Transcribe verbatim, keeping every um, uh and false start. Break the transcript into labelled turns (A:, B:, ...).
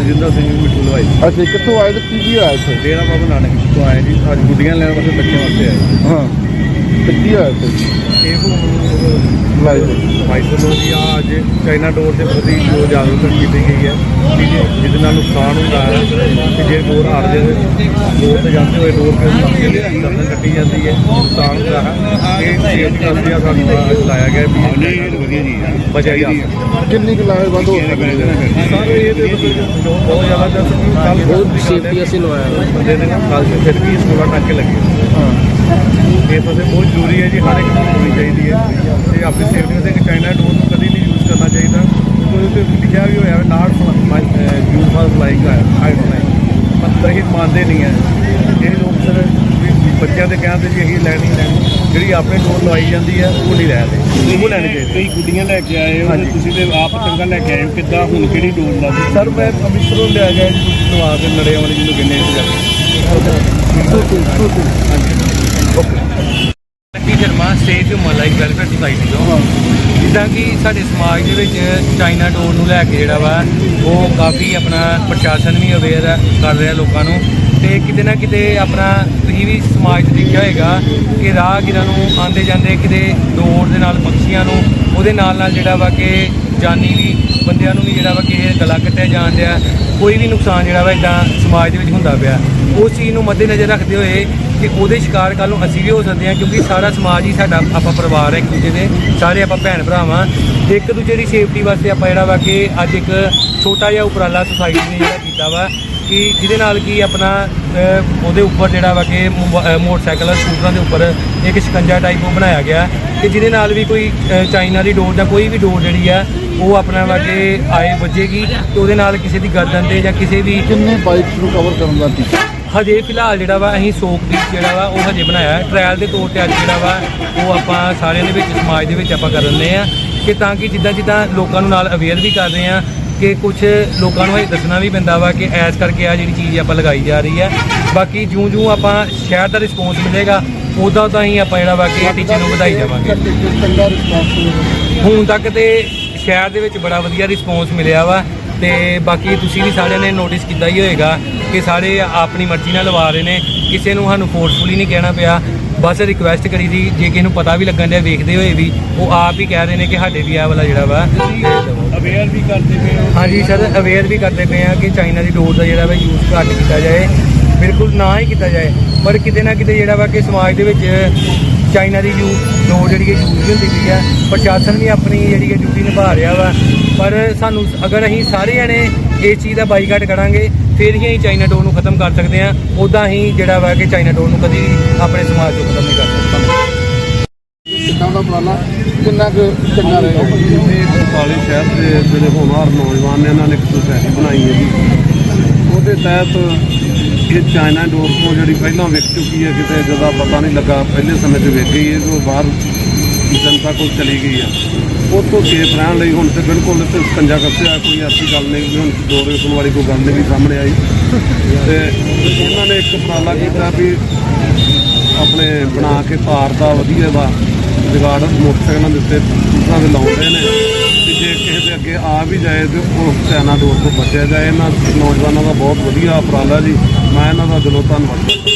A: ਰਜਿੰਦਰ ਸਿੰਘ ਮਿੱਠੂ ਲਵਾਈ।
B: ਅੱਛਾ, ਕਿੱਥੋਂ ਆਏ ਤੇ ਕੀ ਕੀ ਹੋਇਆ ਇੱਥੇ?
A: ਡੇਰਾ ਬਾਬਾ ਨਾਨਕ ਤੋਂ ਆਏ ਜੀ, ਅੱਜ ਗੁੱਡੀਆਂ ਲੈਣ ਵਾਸਤੇ ਬੱਚਿਆਂ ਵਾਸਤੇ ਆਏ।
B: ਹਾਂ, ਤੇ ਕੀ ਹੋਇਆ ਇੱਥੇ?
A: ਇਹ ਹੁਣ ਮਾਈਕਰੋ ਜੀ ਆ ਅੱਜ ਚਾਈਨਾ ਡੋਰ ਦੇ ਪ੍ਰਤੀ ਜੋ ਜਾਗਰੂਕਤਾ ਕੀਤੀ ਗਈ ਹੈ ਕਿ ਜਿਹਦੇ ਨਾਲ ਨੁਕਸਾਨ ਹੁੰਦਾ ਹੈ ਕਿ ਜੇ ਡੋਰ ਹਾਰ ਜਾਵੇ, ਡੋਰ ਤੇ ਜਾਂਦੇ ਹੋਏ ਡੋਰ ਕੇ ਕੱਟੀ ਜਾਂਦੀ ਹੈ, ਨੁਕਸਾਨ ਹੁੰਦਾ ਹੈ। ਇਹ ਸੇਫਟੀ ਵਾਸਤੇ ਆ ਸਾਨੂੰ ਲਾਇਆ ਗਿਆ ਵੀ ਵਧੀਆ ਜੀ ਬਚਿਆ ਜਾ ਸਕਦਾ।
B: ਕਿੰਨੀ ਕੁ ਲਾਹੇਵੰਦ ਹੋ ਸਕਦੀ ਹੈ?
A: ਸਰ ਇਹਦੇ ਮਤਲਬ ਜੋ ਬਹੁਤ ਜ਼ਿਆਦਾ ਜਦ ਕੱਲ
B: ਬਹੁਤ ਸੇਫਟੀ ਅਸੀਂ ਲਵਾਇਆ
A: ਬੰਦੇ ਦੇ ਨਾਲ ਕੱਲ ਤੋਂ ਫਿਰ ਵੀ ਸੋਲਾਂ ਟਾਂਕੇ ਲੱਗੇ।
B: ਹਾਂ,
A: ਇਹ ਤਾਂ ਬਹੁਤ ਜ਼ਰੂਰੀ ਹੈ ਜੀ, ਹਰ ਇੱਕ ਨੂੰ ਹੋਣੀ ਚਾਹੀਦੀ ਹੈ ਤੇ ਆਪਣੀ ਸੇਫਟੀ ਵਾਸਤੇ ਕਿ ਚਾਈਨਾ ਡੋਰ ਨੂੰ ਕਦੀ ਨਹੀਂ ਯੂਜ਼ ਕਰਨਾ ਚਾਹੀਦਾ। ਕਿਉਂਕਿ ਉਹਦੇ 'ਤੇ ਲਿਖਿਆ ਵੀ ਹੋਇਆ not use for flying height flying, ਪਰ ਇਹ ਮੰਨਦੇ ਨਹੀਂ ਹੈ ਇਹ ਲੋਕ। ਸਰ ਬੱਚਿਆਂ ਦੇ ਕਹਿਣ 'ਤੇ ਜੀ ਅਸੀਂ ਲੈਣੀ ਲੈਣੀ ਜਿਹੜੀ ਆਪਣੇ ਡੋਰ ਲਵਾਈ ਜਾਂਦੀ ਹੈ ਉਹ ਨਹੀਂ ਲੈਦੇ, ਉਹ ਲੈਣੀ ਚਾਹੀਦੀ।
C: ਕਈ ਗੁੱਡੀਆਂ ਲੈ ਕੇ ਆਏ ਹੋ, ਤੁਸੀਂ ਤੇ ਆਪ ਚੰਗਾ ਲੈ ਕੇ ਆਏ ਹੋ, ਕਿੱਦਾਂ ਹੁਣ ਕਿਹੜੀ ਡੋਰ ਲਾ?
A: ਸਰ ਮੈਂ ਅੰਮ੍ਰਿਤਸਰੋਂ ਲਿਆ ਗਿਆ ਜੀ ਲਵਾ ਕੇ ਨੜੇ ਵਾਲੀ ਜਿਹਨੂੰ ਕਹਿੰਦੇ
D: Lucky Sharma safe human life welfare society ਤੋਂ। ਜਿੱਦਾਂ ਕਿ ਸਾਡੇ ਸਮਾਜ ਦੇ ਵਿੱਚ ਚਾਈਨਾ ਡੋਰ ਨੂੰ ਲੈ ਕੇ ਜਿਹੜਾ ਵਾ ਉਹ ਕਾਫੀ ਆਪਣਾ ਪ੍ਰਸ਼ਾਸਨ ਵੀ ਅਵੇਅਰ ਕਰ ਰਿਹਾ ਲੋਕਾਂ ਨੂੰ, ਤੇ ਕਿਤੇ ਨਾ ਕਿਤੇ ਆਪਣਾ ਤੁਸੀਂ ਵੀ ਸਮਾਜ 'ਚ ਦੇਖਿਆ ਹੋਏਗਾ ਕਿ ਰਾਹਗੀਰਾਂ ਨੂੰ ਆਉਂਦੇ ਜਾਂਦੇ ਕਿਤੇ ਡੋਰ ਦੇ ਨਾਲ ਪੰਛੀਆਂ ਨੂੰ ਉਹਦੇ ਨਾਲ ਨਾਲ ਜਿਹੜਾ ਵਾ ਕਿ ਜਾਨੀ ਵੀ ਬੰਦਿਆਂ ਨੂੰ ਵੀ ਜਿਹੜਾ ਵਾ ਕਿ ਗਲਾ ਕੱਟਿਆ ਜਾਣ ਡਿਆ, ਕੋਈ ਵੀ ਨੁਕਸਾਨ ਜਿਹੜਾ ਵਾ ਇੱਦਾਂ ਸਮਾਜ ਦੇ ਵਿੱਚ ਹੁੰਦਾ ਪਿਆ। ਉਸ ਚੀਜ਼ ਨੂੰ ਮੱਦੇਨਜ਼ਰ ਰੱਖਦੇ ਹੋਏ ਕਿ ਉਹਦੇ ਸ਼ਿਕਾਰ ਕੱਲ੍ਹ ਨੂੰ ਅਸੀਂ ਵੀ ਹੋ ਸਕਦੇ ਹਾਂ, ਕਿਉਂਕਿ ਸਾਰਾ ਸਮਾਜ ਹੀ ਸਾਡਾ ਆਪਾਂ ਪਰਿਵਾਰ ਹੈ, ਇੱਕ ਦੂਜੇ ਦੇ ਸਾਰੇ ਆਪਾਂ ਭੈਣ ਭਰਾ ਵਾਂ। ਇੱਕ ਦੂਜੇ ਦੀ ਸੇਫਟੀ ਵਾਸਤੇ ਆਪਾਂ ਜਿਹੜਾ ਵਾ ਕਿ ਅੱਜ ਇੱਕ ਛੋਟਾ ਜਿਹਾ ਉਪਰਾਲਾ ਸੁਸਾਇਟੀ ਨੇ ਜਿਹੜਾ ਕੀਤਾ ਵਾ ਕਿ ਜਿਹਦੇ ਨਾਲ ਕਿ ਆਪਣਾ ਉਹਦੇ ਉੱਪਰ ਜਿਹੜਾ ਵਾ ਕਿ ਮੋਟਰਸਾਈਕਲ ਸਕੂਟਰਾਂ ਦੇ ਉੱਪਰ ਇੱਕ ਸ਼ਿਕੰਜਾ ਟਾਈਪ ਉਹ ਬਣਾਇਆ ਗਿਆ ਕਿ ਜਿਹਦੇ ਨਾਲ ਵੀ ਕੋਈ ਚਾਈਨਾ ਦੀ ਡੋਰ ਜਾਂ ਕੋਈ ਵੀ ਡੋਰ ਜਿਹੜੀ ਆ ਉਹ ਆਪਣਾ ਵਾ ਕਿ ਆਏ ਵੱਜੇਗੀ ਤੇ ਉਹਦੇ ਨਾਲ ਕਿਸੇ ਦੀ ਗਰਦਨ ਤੇ ਜਾਂ ਕਿਸੇ ਵੀ।
B: ਕਿੰਨੇ ਬਾਈਕਸ ਨੂੰ ਕਵਰ ਕਰਨ ਦਾ ਟੀਚਾ?
D: ਹਜੇ ਫਿਲਹਾਲ ਜਿਹੜਾ ਵਾ ਅਸੀਂ ਸੋਕ ਪੀਸ ਜਿਹੜਾ ਵਾ ਉਹ ਹਜੇ ਬਣਾਇਆ ਟ੍ਰਾਇਲ ਦੇ ਤੌਰ 'ਤੇ। ਅੱਜ ਜਿਹੜਾ ਵਾ ਉਹ ਆਪਾਂ ਸਾਰਿਆਂ ਦੇ ਵਿੱਚ ਸਮਾਜ ਦੇ ਵਿੱਚ ਆਪਾਂ ਕਰ ਰਹੇ ਹਾਂ ਕਿ ਤਾਂ ਕਿ ਜਿੱਦਾਂ ਜਿੱਦਾਂ ਲੋਕਾਂ ਨੂੰ ਨਾਲ ਅਵੇਅਰ ਵੀ ਕਰ ਰਹੇ ਹਾਂ ਕਿ ਕੁਝ ਲੋਕਾਂ ਨੂੰ ਇਹ ਦੱਸਣਾ ਵੀ ਪੈਂਦਾ ਵਾ ਕਿ ਐਸ ਕਰਕੇ ਆ ਜਿਹੜੀ ਚੀਜ਼ ਆਪਾਂ ਲਗਾਈ ਜਾ ਰਹੀ ਹੈ। ਬਾਕੀ ਜਿਉਂ ਜਿਉਂ ਆਪਾਂ ਸ਼ਹਿਰ ਦਾ ਰਿਸਪੌਂਸ ਮਿਲੇਗਾ ਉੱਦਾਂ ਤਾਂ ਹੀ ਆਪਾਂ ਜਿਹੜਾ ਵਾ ਕਿ ਟੀਚੇ ਨੂੰ ਵਧਾਈ ਜਾਵਾਂਗੇ।
B: ਚੰਗਾ ਰਿਸਪੌਂਸ
D: ਹੁਣ ਤੱਕ ਤੇ ਸ਼ਹਿਰ ਦੇ ਵਿੱਚ ਬੜਾ ਵਧੀਆ ਰਿਸਪੌਂਸ ਮਿਲਿਆ ਵਾ, ਤੇ ਬਾਕੀ ਤੁਸੀਂ ਵੀ ਸਾਰਿਆਂ ਨੇ ਨੋਟਿਸ ਕੀਤਾ ਹੀ ਹੋਏਗਾ ਕਿ ਸਾਰੇ ਆਪਣੀ ਮਰਜ਼ੀ ਨਾਲ ਲਵਾ ਰਹੇ ਨੇ, ਕਿਸੇ ਨੂੰ ਸਾਨੂੰ ਫੋਰਸਫੁਲੀ ਨਹੀਂ ਕਹਿਣਾ ਪਿਆ, ਬਸ ਰਿਕੁਐਸਟ ਕਰੀ ਸੀ। ਜੇ ਕਿਸੇ ਨੂੰ ਪਤਾ ਵੀ ਲੱਗਣ ਡਿਆ ਵੇਖਦੇ ਹੋਏ ਵੀ ਉਹ ਆਪ ਹੀ ਕਹਿ ਰਹੇ ਨੇ ਕਿ ਸਾਡੇ ਵੀ ਆਹ ਵਾਲਾ ਜਿਹੜਾ ਵਾ
C: ਅਵੇਅਰ ਵੀ ਕਰਦੇ ਪਏ ਹੋ?
D: ਹਾਂਜੀ ਸਰ, ਅਵੇਅਰ ਵੀ ਕਰਦੇ ਪਏ ਆ ਕਿ ਚਾਈਨਾ ਦੀ ਡੋਰ ਦਾ ਜਿਹੜਾ ਵਾ ਯੂਜ਼ ਘੱਟ ਕੀਤਾ ਜਾਏ, ਬਿਲਕੁਲ ਨਾ ਹੀ ਕੀਤਾ ਜਾਏ। ਪਰ ਕਿਤੇ ਨਾ ਕਿਤੇ ਜਿਹੜਾ ਵਾ ਕਿ ਸਮਾਜ ਦੇ ਵਿੱਚ ਚਾਈਨਾ ਦੀ ਯੂ ਡੋਰ ਜਿਹੜੀ ਹੈ ਯੂਜ਼ ਹੁੰਦੀ ਪਈ ਆ, ਪ੍ਰਸ਼ਾਸਨ ਵੀ ਆਪਣੀ ਜਿਹੜੀ ਹੈ ਡਿਊਟੀ ਨਿਭਾ ਰਿਹਾ ਵਾ। ਪਰ ਸਾਨੂੰ ਅਗਰ ਅਸੀਂ ਸਾਰੇ ਜਣੇ ਇਸ ਚੀਜ਼ ਦਾ ਬਾਈਕਾਟ ਕਰਾਂਗੇ ਫਿਰ ਹੀ ਅਸੀਂ ਚਾਈਨਾ ਡੋਰ ਨੂੰ ਖਤਮ ਕਰ ਸਕਦੇ ਹਾਂ, ਉੱਦਾਂ ਹੀ ਜਿਹੜਾ ਵਾ ਕਿ ਚਾਈਨਾ ਡੋਰ ਨੂੰ ਕਦੀ ਵੀ ਆਪਣੇ ਸਮਾਜ ਤੋਂ ਖਤਮ ਨਹੀਂ ਕਰ ਸਕਦੇ।
B: ਕਿੱਦਾਂ ਦਾ ਉਪਰਾਲਾ ਕਿੰਨਾ ਕੁ ਚੰਗਾ ਰਹੇਗਾ?
A: ਇਹ ਬਟਾਲੇ ਸ਼ਹਿਰ ਦੇ ਜਿਹੜੇ ਹੋਣਹਾਰ ਨੌਜਵਾਨ ਨੇ ਇਹਨਾਂ ਨੇ ਇੱਕ ਸੁਸਾਇਟੀ ਬਣਾਈ ਹੈ ਜੀ, ਉਹਦੇ ਤਹਿਤ ਇਹ ਚਾਈਨਾ ਡੋਰ ਤੋਂ ਜਿਹੜੀ ਪਹਿਲਾਂ ਵਿਕ ਚੁੱਕੀ ਹੈ, ਕਿਤੇ ਜ਼ਿਆਦਾ ਪਤਾ ਨਹੀਂ ਲੱਗਾ, ਪਹਿਲੇ ਸਮੇਂ 'ਚ ਵਿਕ ਗਈ ਹੈ, ਜੋ ਬਾਹਰ ਜਨਤਾ ਕੋਲ ਚਲੀ ਗਈ ਆ, ਉੱਥੋਂ ਸੇਫ ਰਹਿਣ ਲਈ ਹੁਣ ਤੇ ਬਿਲਕੁਲ ਇੱਥੇ ਸਕੰਜਾ ਕੱਸਿਆ, ਕੋਈ ਐਸੀ ਗੱਲ ਨਹੀਂ ਵੀ ਹੁਣ ਡੋਰ ਵੇਚਣ ਵਾਲੀ ਕੋਈ ਗੱਲ ਨਹੀਂ ਵੀ ਸਾਹਮਣੇ ਆਈ। ਤੇ ਉਹਨਾਂ ਨੇ ਇੱਕ ਉਪਰਾਲਾ ਕੀਤਾ ਵੀ ਆਪਣੇ ਬਣਾ ਕੇ ਤਾਰ ਦਾ ਵਧੀਆ ਦਾ ਜੁਗਾੜ ਮੋਟਰਸਾਈਕਲਾਂ ਦੇ ਉੱਤੇ ਦੂਸਰਾਂ ਦੇ ਲਾਉਂਦੇ ਨੇ ਕਿ ਜੇ ਕਿਸੇ ਦੇ ਅੱਗੇ ਆ ਵੀ ਜਾਏ ਤੇ ਉਹ ਚਾਈਨਾ ਡੋਰ ਤੋਂ ਬਚਿਆ ਜਾਏ। ਇਹਨਾਂ ਨੌਜਵਾਨਾਂ ਦਾ ਬਹੁਤ ਵਧੀਆ ਉਪਰਾਲਾ ਜੀ, ਮੈਂ ਇਹਨਾਂ ਦਾ ਦਿਲੋਂ ਧੰਨਵਾਦ ਕਰਦਾ।